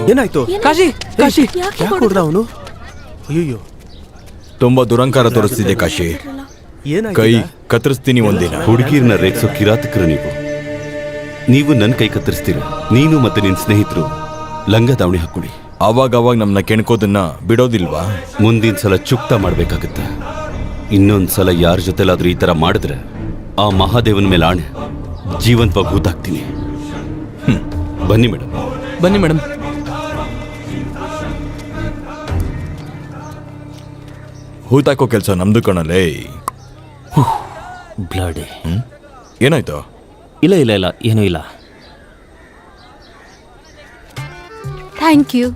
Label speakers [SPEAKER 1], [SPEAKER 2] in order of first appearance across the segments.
[SPEAKER 1] ಏನಾಯ್ತು?
[SPEAKER 2] ಕಾಶಿ ಕಾಶಿ
[SPEAKER 1] ಯಾಕೆ ಹೊಡೆದ ಅವನು? ಅಯ್ಯೋ,
[SPEAKER 3] ತುಂಬಾ ದುರಂಕಾರ ತೋರಿಸ್ತಿದೆ ಕಾಶಿ.
[SPEAKER 1] ಏನಾಯ್ತು?
[SPEAKER 3] ಕೈ ಕತ್ತರಿಸ್ತೀನಿ ಒಂದಿನ.
[SPEAKER 4] ಹುಡುಗಿರ್ನ ರೇಗ್ಸೋ ಕಿರಾತಕರು ನೀವು ನನ್ನ ಕೈ ಕತ್ತರಿಸ್ತೀರ. ನೀನು ಮತ್ತೆ ನಿನ್ನ ಸ್ನೇಹಿತರು ಲಂಗ ದಾವಣಿ ಹಾಕೊಳ್ಳಿ.
[SPEAKER 3] ಅವಾಗ ನಮ್ಮನ್ನ ಕೆಣ್ಕೋದನ್ನ ಬಿಡೋದಿಲ್ವಾ?
[SPEAKER 4] ಮುಂದಿನ ಸಲ ಚುಕ್ತ ಮಾಡ್ಬೇಕಾಗತ್ತೆ. ಇನ್ನೊಂದ್ಸಲ ಯಾರ ಜೊತೆಲಾದ್ರೂ ಈ ತರ ಮಾಡಿದ್ರೆ ಆ ಮಹಾದೇವನ ಮೇಲೆ ಆಣೆ ಜೀವಂತವಾಗಿ ಹೂತಾಕ್ತೀನಿ. ಬನ್ನಿ ಮೇಡಮ್.
[SPEAKER 2] ಬನ್ನಿ ಮೇಡಮ್.
[SPEAKER 3] ಹೂತಾಕೋ ಕೆಲಸ ನಮ್ದು ಕಣಲೇ.
[SPEAKER 5] ಬ್ಲಡ್.
[SPEAKER 3] ಏನಾಯ್ತು?
[SPEAKER 5] ಇಲ್ಲ ಇಲ್ಲ ಇಲ್ಲ, ಏನೂ ಇಲ್ಲ.
[SPEAKER 6] Thank you.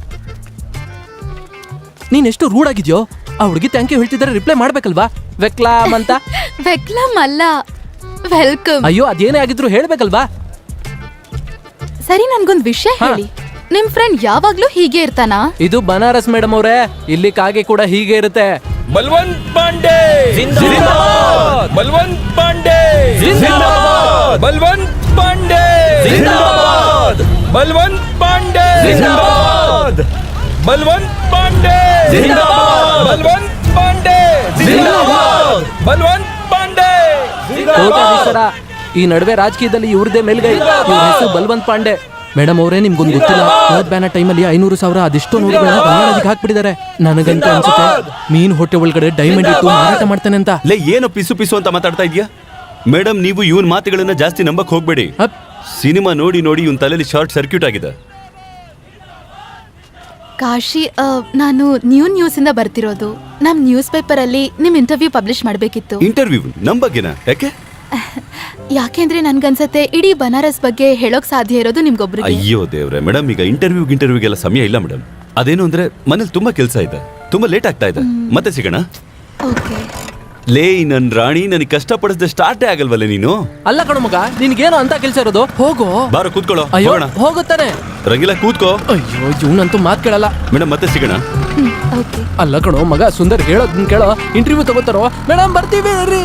[SPEAKER 2] ನೀನ್ ಎಷ್ಟು ರೂಡ್ ಆಗಿದ್ಯೋ. ಆ ಹುಡುಗಿ ಥ್ಯಾಂಕ್ ಯು ಹೇಳ್ತಿದ್ದಾರೆ, ರಿಪ್ಲೈ ಮಾಡ್ಬೇಕಲ್ವಾ? ವೆಕ್ಲಾಮ್ ಅಂತ.
[SPEAKER 6] ವೆಕ್ಲಮ್ ಅಲ್ಲ, ವೆಲ್ಕಮ್.
[SPEAKER 2] ಅಯ್ಯೋ, ಅದೇನೇ ಆಗಿದ್ರು ಹೇಳ್ಬೇಕಲ್ವಾ?
[SPEAKER 6] ಸರಿ, ನನ್ಗೊಂದ್ ವಿಷಯ ಹೇಳಿ. ನಿಮ್ ಫ್ರೆಂಡ್ ಯಾವಾಗ್ಲೂ ಹೀಗೆ ಇರ್ತಾನಾ?
[SPEAKER 2] ಇದು ಬನಾರಸ್ ಮೇಡಮ್ ಅವರೇ, ಇಲ್ಲಿ ಕಾಗೆ ಕೂಡ ಹೀಗೆ ಇರುತ್ತೆ.
[SPEAKER 3] ಬಲ್ವಂತ್ ಪಾಂಡೆ ಜಿಂದಾಬಾದ್! ಬಲ್ವಂತ್ ಪಾಂಡೆ ಜಿಂದಾಬಾದ್! ಬಲ್ವಂತ್ ಪಾಂಡೆ ಜಿಂದಾಬಾದ್! ಬಲ್ವಂತ್ ಪಾಂಡೆ ಜಿಂದಾಬಾದ್! ಬಲ್ವಂತ್ ಪಾಂಡೆ ಜಿಂದಾಬಾದ್! ಬಲ್ವಂತ್ ಪಾಂಡೆ ಜಿಂದಾಬಾದ್! ಬಲ್ವಂತ್ ಪಾಂಡೆ
[SPEAKER 2] ಕೋಟ್ಯಾಧೀಶರ. ಈ ನಡುವೆ ರಾಜಕೀಯದಲ್ಲಿ ಇವ್ರದೇ ಮೇಲ್ಗೈ. ಇವ್ರ ಹೆಸರು ಬಲ್ವಂತ್ ಪಾಂಡೆ. ಮೇಡಮ್ ಅವರೇ, ನಿಮ್ಗೊಂದು ಗೊತ್ತಿಲ್ಲ, ನೋಟ್ ಬ್ಯಾನ್ ಟೈಮಲ್ಲಿ 500,000 ಅದೆಷ್ಟೋ ನೋಟುಗಳನ್ನ ಬಂಗಾಳದಿಗೆ ಹಾಕ್ಬಿಟ್ಟಿದ್ದಾರೆ. ನನಗಂತ ಅನ್ಸುತ್ತೆ ಮೀನ್ ಹೊಟ್ಟೆ ಒಳಗಡೆ ಡೈಮಂಡ್ ಇಟ್ಟು ಮಾರಾಟ ಮಾಡ್ತಾನೆ ಅಂತ.
[SPEAKER 4] ಲೇ, ಏನು ಪಿಸು ಪಿಸು ಅಂತ ಮಾತಾಡ್ತಾ ಇದೀಯಾ? ಮೇಡಮ್, ನೀವು ಇವನ್ ಮಾತುಗಳನ್ನ ಜಾಸ್ತಿ ನಂಬಕ್ ಹೋಗ್ಬೇಡಿ. ಸಿನಿಮಾ ನೋಡಿ ನೋಡಿ ಇವನ್ ತಲೆಯಲ್ಲಿ ಶಾರ್ಟ್ ಸರ್ಕ್ಯೂಟ್ ಆಗಿದೆ.
[SPEAKER 6] ಕಾಶಿ, ನಾನು ನ್ಯೂಸ್ ಇಂದ ಬರ್ತಿರೋದು. ನಮ್ ನ್ಯೂಸ್ ಪೇಪರ್ ಅಲ್ಲಿ ನಿಮ್ ಇಂಟರ್ವ್ಯೂ ಪಬ್ಲಿಷ್ ಮಾಡ್ಬೇಕಿತ್ತು.
[SPEAKER 4] ಇಂಟರ್ವ್ಯೂ ನಮ್ ಬಗ್ಗೆನಾ? ಯಾಕೆ?
[SPEAKER 6] ಯಾಕೆಂದ್ರೆ ನನ್ಗನ್ಸತ್ತೆ ಇಡೀ ಬನಾರಸ್ ಬಗ್ಗೆ ಹೇಳೋಕ್ ಸಾಧ್ಯ ಇರೋದು ನಿಮ್ಗೊಬ್ರಿಗೆ.
[SPEAKER 4] ಅಯ್ಯೋ ದೇವ್ರೆ ಮೇಡಮ್, ಈಗ ಇಂಟರ್ವ್ಯೂಗೆಲ್ಲ ಸಮಯ ಇಲ್ಲ ಮೇಡಮ್. ಅದೇನು ಅಂದ್ರೆ ಮನೇಲಿ ತುಂಬಾ ಕೆಲಸ ಇದೆ, ತುಂಬಾ ಲೇಟ್ ಆಗ್ತಾ ಇದೆ. ಮತ್ತೆ ಸಿಗೋಣ.
[SPEAKER 6] ಓಕೆ.
[SPEAKER 4] ಲೇ ನನ್ ರಾಣಿ, ನನಗೆ ಕಷ್ಟಪಡಿಸದೆ ಸ್ಟಾರ್ಟೇ ಆಗಲ್ವಲ್ಲ ನೀನು?
[SPEAKER 2] ಅಲ್ಲ ಕಣು ಮಗ, ನಿನ್ಗೇನು ಅಂತ ಕೆಲ್ಸ ಇರೋದು? ಹೋಗೋ.
[SPEAKER 4] ಬಾರೋ ಕೂತ್ಕೊಳ್ಳೋ.
[SPEAKER 2] ಅಯ್ಯೋ,
[SPEAKER 4] ಹೋಗೋಣ.
[SPEAKER 2] ಹೋಗುತ್ತಾನೆ.
[SPEAKER 4] ರಂಗಿಲ್ಲ, ಕೂತ್ಕೋ.
[SPEAKER 2] ಅಯ್ಯೋ, ಇವನಂತೂ ಮಾತ್ ಕೇಳಲ್ಲ.
[SPEAKER 4] ಮೇಡಮ್, ಮತ್ತೆ ಸಿಗೋಣ.
[SPEAKER 6] ಓಕೆ.
[SPEAKER 2] ಅಲ್ಲ ಕಣೋ ಮಗ, ಸುಂದರ್ ಹೇಳೋದನ್ನ ಕೇಳೋ. ಇಂಟರ್ವ್ಯೂ ತಗೋತಾರೋ? ಮೇಡಮ್ ಬರ್ತೀವಿ ರೀ.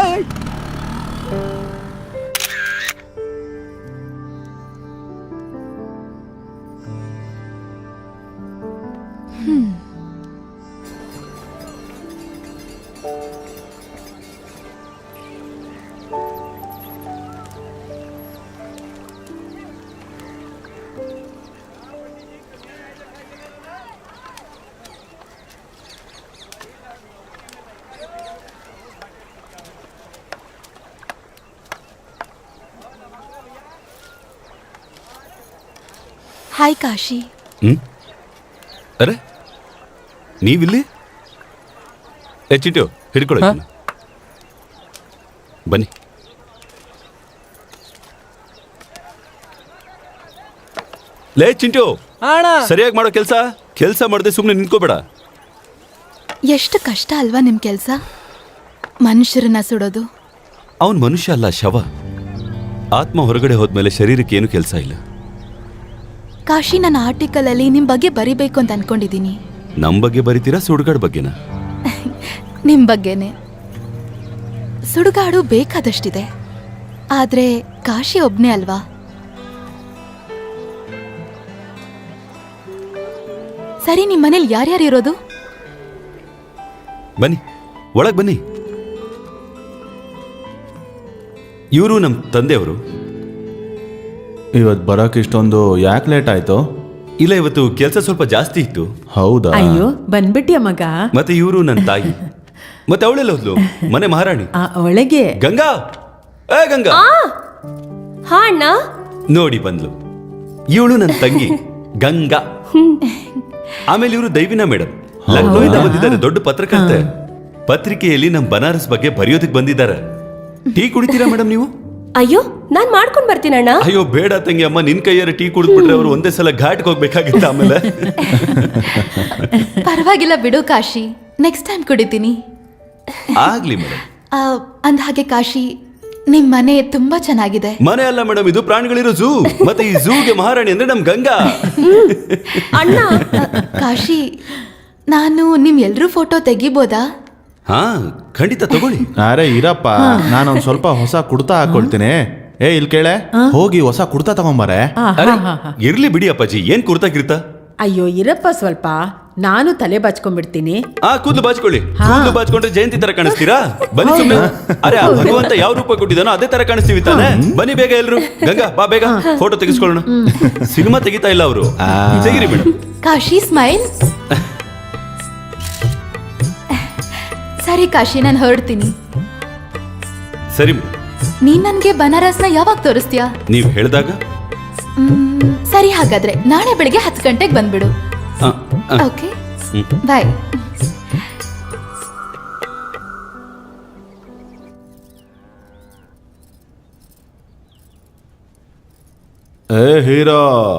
[SPEAKER 6] ಹಾಯ್ ಕಾಶಿ.
[SPEAKER 4] ಅರೆ, ನೀವಿಲ್ಲಿ? ಚಿಂಟು ಹಿಡ್ಕೊಳ್ಳೋ. ಬನ್ನಿ. ಲೇ ಚಿಂಟು, ಸರಿಯಾಗಿ ಮಾಡೋ ಕೆಲಸ ಮಾಡದೆ ಸುಮ್ಮನೆ ನಿಂತ್ಕೋಬೇಡ.
[SPEAKER 6] ಎಷ್ಟು ಕಷ್ಟ ಅಲ್ವಾ ನಿಮ್ ಕೆಲ್ಸ? ಮನುಷ್ಯರನ್ನ ಸುಡೋದು.
[SPEAKER 4] ಅವನ್ ಮನುಷ್ಯ ಅಲ್ಲ, ಶವ. ಆತ್ಮ ಹೊರಗಡೆ ಹೋದ್ಮೇಲೆ ಶರೀರಕ್ಕೆ ಏನು ಕೆಲಸ ಇಲ್ಲ.
[SPEAKER 6] ಕಾಶಿ, ನನ್ನ ಆರ್ಟಿಕಲ್ ಅಲ್ಲಿ ನಿಮ್ ಬಗ್ಗೆ ಬರಿಬೇಕು ಅಂತ ಅನ್ಕೊಂಡಿದೀನಿ.
[SPEAKER 4] ನಮ್ ಬಗ್ಗೆ ಬರಿತೀರಾ, ಸುಡುಗಾಡ್ ಬಗ್ಗೆನಾ?
[SPEAKER 6] ನಿಮ್ ಬಗ್ಗೆನೆ. ಸುಡುಗಾಡು ಬೇಕಾದಷ್ಟಿದೆ, ಆದ್ರೆ ಕಾಶಿ ಒಬ್ನೇ ಅಲ್ವಾ? ಸರಿ, ನಿಮ್ ಮನೇಲಿ ಯಾರ್ಯಾರು ಇರೋದು?
[SPEAKER 4] ಬನ್ನಿ, ಒಳಗ್ ಬನ್ನಿ. ಇವರು ನಮ್ ತಂದೆಯವರು.
[SPEAKER 1] ಇವತ್ತು ಬರೋಕೆ ಇಷ್ಟೊಂದು ಯಾಕೆ ಲೇಟ್ ಆಯ್ತು?
[SPEAKER 4] ಇಲ್ಲ, ಇವತ್ತು ಕೆಲಸ ಸ್ವಲ್ಪ ಜಾಸ್ತಿ ಇತ್ತು.
[SPEAKER 1] ಹೌದಾ?
[SPEAKER 7] ಅಯ್ಯೋ, ಬಂದ್ಬಿಟ್ಯ ಮಗ.
[SPEAKER 4] ಮತ್ತೆ ಇವರು ನನ್ನ ತಾಯಿ. ಮತ್ತೆ ಅವಳೆಲ್ಲ ಹೋದ್ಲು? ಮನೆ ಮಹಾರಾಣಿ
[SPEAKER 7] ಒಳಗೆ.
[SPEAKER 4] ಗಂಗಾ, ಏ ಗಂಗಾ.
[SPEAKER 7] ಹಾ ಅಣ್ಣ.
[SPEAKER 4] ನೋಡಿ ಬಂದ್ಲು. ಇವಳು ನನ್ನ ತಂಗಿ ಗಂಗಾ. ಆಮೇಲೆ ಇವರು ದೈವಿನ ಮೇಡಮ್, ಲಕ್ನೋಯಿಂದ ಬಂದಿದ್ದಾರೆ. ದೊಡ್ಡ ಪತ್ರಕರ್ತೆ. ಪತ್ರಿಕೆಯಲ್ಲಿ ನಮ್ ಬನಾರಸ್ ಬಗ್ಗೆ ಬರೆಯೋದಕ್ಕೆ ಬಂದಿದ್ದಾರೆ. ಟೀ ಕುಡಿತೀರಾ ಮೇಡಮ್ ನೀವು?
[SPEAKER 7] ಅಯ್ಯೋ, ನಾನ್ ಮಾಡ್ಕೊಂಡ್ ಬರ್ತೀನಣ್ಣ.
[SPEAKER 4] ಅಯ್ಯೋ ಬೇಡ ತಂಗಿ, ಅಮ್ಮ ನಿನ್ ಕೈಯಾರ ಟೀ ಕುಡಿದ್ಬಿಟ್ರೆ ಅವರು ಒಂದೇ ಸಲ ಘಾಟ್ಗೆ ಹೋಗ್ಬೇಕಾಗಿತ್ತು ಆಮೇಲೆ.
[SPEAKER 6] ಪರವಾಗಿಲ್ಲ ಬಿಡು ಕಾಶಿ, ನೆಕ್ಸ್ಟ್ ಟೈಮ್ ಕುಡಿತೀನಿ.
[SPEAKER 4] ಆಗ್ಲಿ ಮೇಡಮ್.
[SPEAKER 6] ಅಂದ ಹಾಗೆ ಕಾಶಿ, ನಿಮ್ ಮನೆ ತುಂಬಾ ಚೆನ್ನಾಗಿದೆ.
[SPEAKER 4] ಮನೆ ಅಲ್ಲ ಮೇಡಮ್, ಇದು ಪ್ರಾಣಿಗಳಿರೋ ಝೂ. ಮತ್ತೆ ಈ ಝೂಗೆ ಮಹಾರಾಣಿ ಅಂದ್ರೆ ನಮ್ ಗಂಗಾ.
[SPEAKER 7] ಅಣ್ಣ,
[SPEAKER 6] ಕಾಶಿ, ನಾನು ನಿಮ್ ಎಲ್ರೂ ಫೋಟೋ ತೆಗಿಬೋದಾ?
[SPEAKER 4] ಹಾ, ಖಂಡಿತ ತಗೊಳ್ಳಿ.
[SPEAKER 1] ಅರೆ ಇರಪ್ಪ, ನಾನೊಂದು ಸ್ವಲ್ಪ ಹೊಸ ಕುಡ್ತಾ ಹಾಕೊಳ್ತೀನಿ. ಏ ಇಲ್ಲಿ ಕೇಳೆ ಹೋಗಿ ಹೊಸ ಕುರ್ತಾ ತಗೊಂಬಾರೆ.
[SPEAKER 4] ಅರೆ ಇರ್ಲಿ ಬಿಡಿ ಅಪ್ಪಾಜಿ, ಏನ್ ಕುರ್ತಾ ಗಿರ್ತಾ.
[SPEAKER 8] ಅಯ್ಯೋ ಇರಪ್ಪ ಸ್ವಲ್ಪ, ನಾನು ತಲೆ ಬಾಚ್ಕೊಂಡ್ಬಿಡ್ತೀನಿ.
[SPEAKER 4] ಕೂದಲು ಬಾಚ್ಕೊಳ್ಳಿ. ಕೂದಲು ಬಾಚ್ಕೊಂಡ್ರೆ ಜಯಂತಿ ತರ ಕಾಣಿಸ್ತೀರಾ? ಬನ್ನಿ ಸುಮ್ಮನೆ. ಅರೆ ಆ ಭಗವಂತ ಯಾವ ರೂಪ ಕೊಟ್ಟಿದಾನೋ ಅದೇ ತರ ಕಾಣಿಸ್ತೀವಿ ತಾನೆ. ಬನ್ನಿ ಬೇಗ ಎಲ್ರು. ಗಂಗಾ ಬಾ ಬೇಗ ಫೋಟೋ ತೆಗಿಸ್ಕೊಳ್ಳೋಣ. ಸಿನಿಮಾ ತೆಗಿತಾ ಇಲ್ಲ ಅವರು. ತೆಗಿರಿ ಮೇಡಮ್.
[SPEAKER 6] ಕಾಶಿ ಸ್ಮೈಲ್. ಸರಿ ಕಾಶಿ, ನಾನು ಹೊರಡ್ತೀನಿ.
[SPEAKER 4] ಸರಿ
[SPEAKER 6] ನೀನ್ ನನ್ಗೆ ಬನಾರಸ್ನ ಯಾವಾಗ ತೋರಿಸ್ತೀಯಾ?
[SPEAKER 4] ನೀವ್ ಹೇಳ್ದಾಗ.
[SPEAKER 6] ಸರಿ, ಹಾಗಾದ್ರೆ ನಾಳೆ ಬೆಳಿಗ್ಗೆ 10 ಗಂಟೆಗೆ ಬಂದ್ಬಿಡು. Okay, bye.
[SPEAKER 1] ಏ ಹೀರೋ,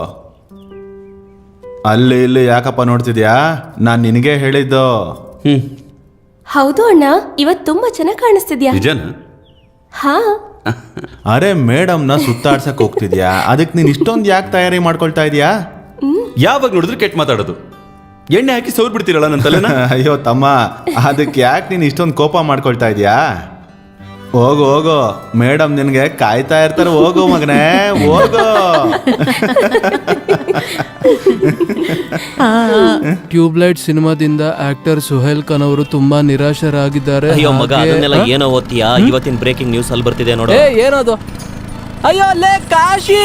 [SPEAKER 1] ಅಲ್ಲಿ ಇಲ್ಲಿ ಯಾಕಪ್ಪ ನೋಡ್ತಿದ್ಯಾ? ನಾನ್ ನಿನಗೆ ಹೇಳಿದ್ದು.
[SPEAKER 7] ಹೌದು ಅಣ್ಣ, ಇವತ್ ತುಂಬಾ ಚೆನ್ನಾಗಿ ಕಾಣಿಸ್ತಿದ್ಯಾ.
[SPEAKER 4] ನಿಜನಾ?
[SPEAKER 7] ಹಾ.
[SPEAKER 1] ಅರೆ ಮೇಡಮ್ನ ಸುತ್ತಾಡ್ಸಕ್ ಹೋಗ್ತಿದ್ಯಾ, ಅದಕ್ಕೆ ನೀನ್ ಇಷ್ಟೊಂದು ಯಾಕೆ ತಯಾರಿ ಮಾಡ್ಕೊಳ್ತಾ ಇದೀಯಾ?
[SPEAKER 4] ಯಾವಾಗ ನೋಡಿದ್ರು ಕೆಟ್ಟ ಮಾತಾಡೋದು. ಎಣ್ಣೆ ಹಾಕಿ ಸೌರ್ ಬಿಡ್ತೀರಲ್ಲ ನನ್ನ ತಲೆನ.
[SPEAKER 1] ಅಯ್ಯೋ ತಮ್ಮ, ಅದಕ್ಕೆ ಯಾಕೆ ನೀನ್ ಇಷ್ಟೊಂದು ಕೋಪ ಮಾಡ್ಕೊಳ್ತಾ ಇದೀಯಾ? ಹೋಗು ಹೋಗು, ಮೇಡಮ್ ನಿನ್ಗೆ ಕಾಯ್ತಾ ಇರ್ತಾರೆ. ಹೋಗು ಮಗನೇ, ಹೋಗು.
[SPEAKER 2] ಟ್ಯೂಬ್ಲೈಟ್ ಸಿನಿಮಾದಿಂದ ಆಕ್ಟರ್ ಸುಹೇಲ್ ಖಾನ್ ಅವರು ತುಂಬಾ ನಿರಾಶರಾಗಿದ್ದಾರೆ.
[SPEAKER 5] ಅಯ್ಯೋ ಮಗ, ಅದನ್ನೆಲ್ಲ ಏನೋ ಓದ್ತೀಯಾ? ಇವತ್ತಿನ ಬ್ರೇಕಿಂಗ್ ನ್ಯೂಸ್ ಅಲ್ಲಿ ಬರ್ತಿದೆ ನೋಡು.
[SPEAKER 2] ಏ ಏನದು? ಅಯ್ಯೋ ಲೇ ಕಾಶಿ,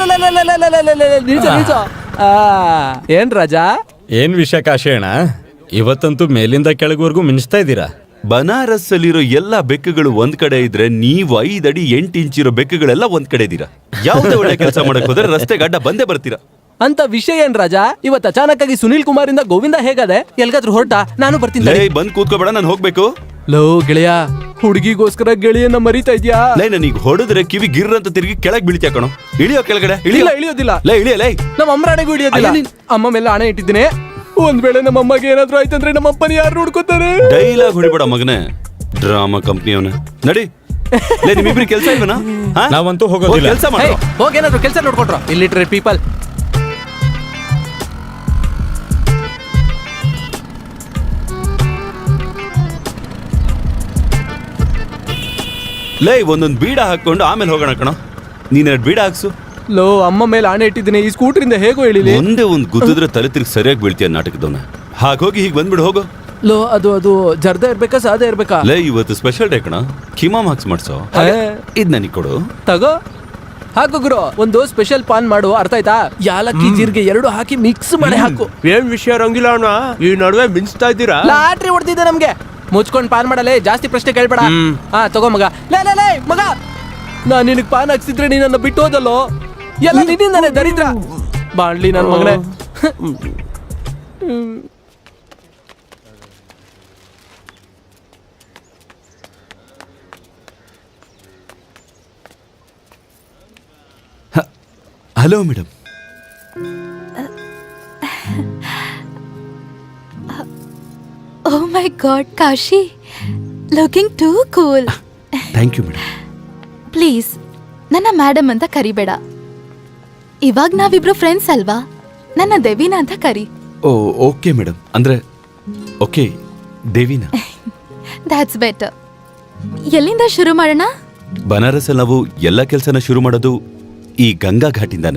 [SPEAKER 2] ಏನ್ ರಾಜಾ?
[SPEAKER 3] ಏನ್ ವಿಷಯ ಕಾಶಿ ಅಣ್ಣ, ಇವತ್ತಂತೂ ಮೇಲಿಂದ ಕೆಳಗುವರೆಗೂ ಮಿಂಚ್ತಾ ಇದ್ದೀರಾ.
[SPEAKER 4] ಬನಾರಸ್ ಅಲ್ಲಿರೋ ಎಲ್ಲಾ ಬೆಕ್ಕುಗಳು ಒಂದ್ ಕಡೆ ಇದ್ರೆ, ನೀವು 5 ಅಡಿ 8 ಇಂಚ್ ಇರೋ ಬೆಕ್ಕುಗಳೆಲ್ಲ ಒಂದ್ ಕಡೆ ಇದ್ದೀರಾ. ಯಾವ್ದೇ ಒಳ್ಳೆ ಕೆಲಸ ಮಾಡಕ್ ಹೋದ್ರೆ ರಸ್ತೆ ಗಡ್ಡ ಬಂದೇ ಬರ್ತೀರಾ.
[SPEAKER 2] ಅಂತ ವಿಷಯ ಏನ್ ರಾಜಾ? ಇವತ್ತು ಅಚಾನಕ್ ಆಗಿ ಸುನೀಲ್ ಕುಮಾರ್ ಇಂದ ಗೋವಿಂದ ಹೇಗದೆ? ಎಲ್ಗಾದ್ರೂ ಹೊರಟ? ನಾನು ಬರ್ತೀನಿ.
[SPEAKER 4] ಲೇ ಬಂದ್ ಕೂತ್ಕೋಬೇಡ, ನಾನು ಹೋಗ್ಬೇಕು.
[SPEAKER 2] ಲೋ ಗೆಳೆಯ, ಹುಡುಗಿಗೋಸ್ಕರ ಗೆಳೆಯನ್ನ ಮರಿತಾ ಇದ್ಯಾ?
[SPEAKER 4] ಲೈ ನನಗೆ ಹೊಡೆದ್ರೆ ಕಿವಿ ಗಿರ್ ಅಂತ ತಿರುಗಿ ಕೆಳಗ್ ಬೀಳ್ತೀಯ ಕಣೋ. ಇಳಿಯೋ ಕೆಳಗಡೆ.
[SPEAKER 2] ಇಲ್ಲ ಇಳಿಯೋದಿಲ್ಲ.
[SPEAKER 4] ಲೈ ಇಳಿಯ ಲೈ.
[SPEAKER 2] ನಮ್ಮ ಅಮ್ಮರಾಣೆಗೂ ಇಳಿಯೋದಿಲ್ಲ. ಅಮ್ಮ ಮೇಲೆ ಹಣೆ ಇಟ್ಟಿದ್ದೀನಿ. ಒಂದ್ ವೇಳೆ ನಮ್ಮ ಅಮ್ಮಗೆ ಏನಾದ್ರೂ ಆಯ್ತಂದ್ರೆ ನಮ್ಮ ಅಪ್ಪನ ಯಾರು ನೋಡ್ಕೋತಾರೆ?
[SPEAKER 4] ಡೈಲಾಗ್ ಹೊಡಿಬೇಡ ಮಗನೇ, ಡ್ರಾಮಾ ಕಂಪ್ನಿಯವನ. ನಡಿ. ಲೇ ನಿಮ್ಮಿಬ್ರಿ ಕೆಲಸ ಇಲ್ವನಾ?
[SPEAKER 3] ನಾವಂತೂ ಹೋಗೋದಿಲ್ಲ.
[SPEAKER 4] ಕೆಲಸ ಮಾಡ.
[SPEAKER 2] ಹೋಗಿ ಏನಾದ್ರು ಕೆಲಸ ನೋಡ್ಕೊಟ್ರ. Illiterate people.
[SPEAKER 4] ಲೈ ಒಂದೊಂದು ಬೀಡ ಹಾಕೊಂಡು ಆಮೇಲೆ ಹೋಗೋಣ ಕಣ. ನೀನ್ ಬೀಡ ಹಾಕ್ಸು.
[SPEAKER 2] ಲೋ ಅಮ್ಮ ಮೇಲೆ ಆಣೆ ಇಟ್ಟಿದ್ದೀನಿ, ಈ ಸ್ಕೂಟರಿಂದ ಹೇಗೋ ಹೇಳಿಲಿ.
[SPEAKER 4] ಒಂದೇ ಒಂದು ಗುದ್ದಿದ್ರೆ ತಲೆ ತಿರುಗಿ ಸರಿಯಾಗಿ ಬೀಳ್ತೀಯ ನಾಟಕದವನ. ಹಾಗೋಗಿ ಹೀಗೆ ಬಂದ್ಬಿಡು ಹೋಗೋ.
[SPEAKER 2] ಲೋ ಅದು ಜರ್ದ ಇರ್ಬೇಕಾ ಸಾದ ಇರ್ಬೇಕಾ?
[SPEAKER 4] ಲೈ ಇವತ್ತು ಸ್ಪೆಷಲ್ ಡೇ ಕಣ, ಕಿಮಾಮ್ ಹಾಕ್ಸ್ ಮಾಡ್ಸೋ. ಇದ್ ನನಗೆ ಕೊಡು.
[SPEAKER 2] ತಗೋ ಹಾಕು ಗುರು. ಒಂದು ಸ್ಪೆಷಲ್ ಪಾನ್ ಮಾಡು, ಅರ್ಥ ಆಯ್ತಾ? ಯಾಲಕ್ಕಿ ಜೀರಿಗೆ 2 ಹಾಕಿ ಮಿಕ್ಸ್ ಮಾಡಿ ಹಾಕು.
[SPEAKER 3] ಏನ್ ವಿಷಯ ರಂಗಿಲ್ಲ ಅಣ್ಣ, ಈ ನಡುವೆ ಮಿಂಚ್ತಾ ಇದ್ದೀರಾ?
[SPEAKER 2] ಲಾಟ್ರಿ ಹೊಡೆದಿದೆ ನಮ್ಗೆ. ಮುಚ್ಕೊಂಡ್ ಪಾನ್ ಮಾಡಲೇ, ಜಾಸ್ತಿ ಪ್ರಶ್ನೆ ಕೇಳ್ಬೇಡ. ತಗೋ ಮಗ. ಲೇ ಮಗ, ನಾನ್ ನಿನಗ್ ಪಾನ್ ಹಾಕ್ಸಿದ್ರೆ ನೀ ನನ್ನ ಬಿಟ್ಟು ಹೋದಲ್ಲೋ. ಎಲ್ಲ ನಿನ್ನಿಂದಾನೆ ದರಿದ್ರ. ಬಾಣ್ಲಿ ನನ್ ಮಗನೇ.
[SPEAKER 4] Hello madam.
[SPEAKER 6] Oh my god Kashi, looking too cool.
[SPEAKER 4] Thank you madam.
[SPEAKER 6] Please ನನ್ನ ಮೇಡಮ್ ಅಂತ ಕರಿಬೇಡ. ಇವಾಗ ನಾವಿಬ್ರು ಫ್ರೆಂಡ್ಸ್ ಅಲ್ವಾ? ನನ್ನ ದೇವಿನಾ ಅಂತ ಕರಿ.
[SPEAKER 4] Oh okay madam. ಅಂದ್ರೆ ಓಕೆ ದೇವಿನಾ.
[SPEAKER 6] That's better. ಎಲ್ಲಿಂದ ಶುರು ಮಾಡೋಣ?
[SPEAKER 4] ಬನಾರಸ್ ಅಲ್ಲಿ ನಾವು ಎಲ್ಲ ಕೆಲಸನ ಶುರು ಮಾಡೋದು ಈ ಗಂಗಾ ಘಾಟಿಂದಾನೆ.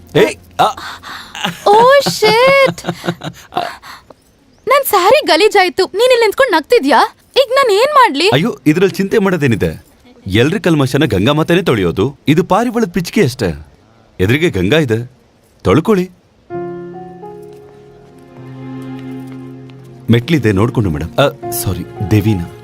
[SPEAKER 6] ಓ ಶಿಟ್, ನನ್ ಸ್ಯಾರಿ ಗಲೀಜಾಯ್ತು. ನೀನ್ ಇಲ್ಲಿ ನಿಂತ್ಕೊಂಡು ನಗ್ತಿದ್ಯಾ? ಈಗ ನಾನು ಏನ್ ಮಾಡ್ಲಿ?
[SPEAKER 4] ಅಯ್ಯೋ ಇದ್ರಲ್ಲಿ ಚಿಂತೆ ಮಾಡೋದೇನಿದೆ. ಎಲ್ರ ಕಲ್ಮಶನ ಗಂಗಾ ಮಾತನೇ ತೊಳೆಯೋದು. ಇದು ಪಾರಿವಾಳದ ಪಿಚ್ಕೆ ಅಷ್ಟೇ. ಎದುರಿಗೆ ಗಂಗಾ ಇದೆ, ತೊಳ್ಕೊಳ್ಳಿ. ಮೆಟ್ಲಿದೆ ನೋಡ್ಕೊಂಡು ಮೇಡಮ್. ಸಾರಿ ದೇವಿನಾ.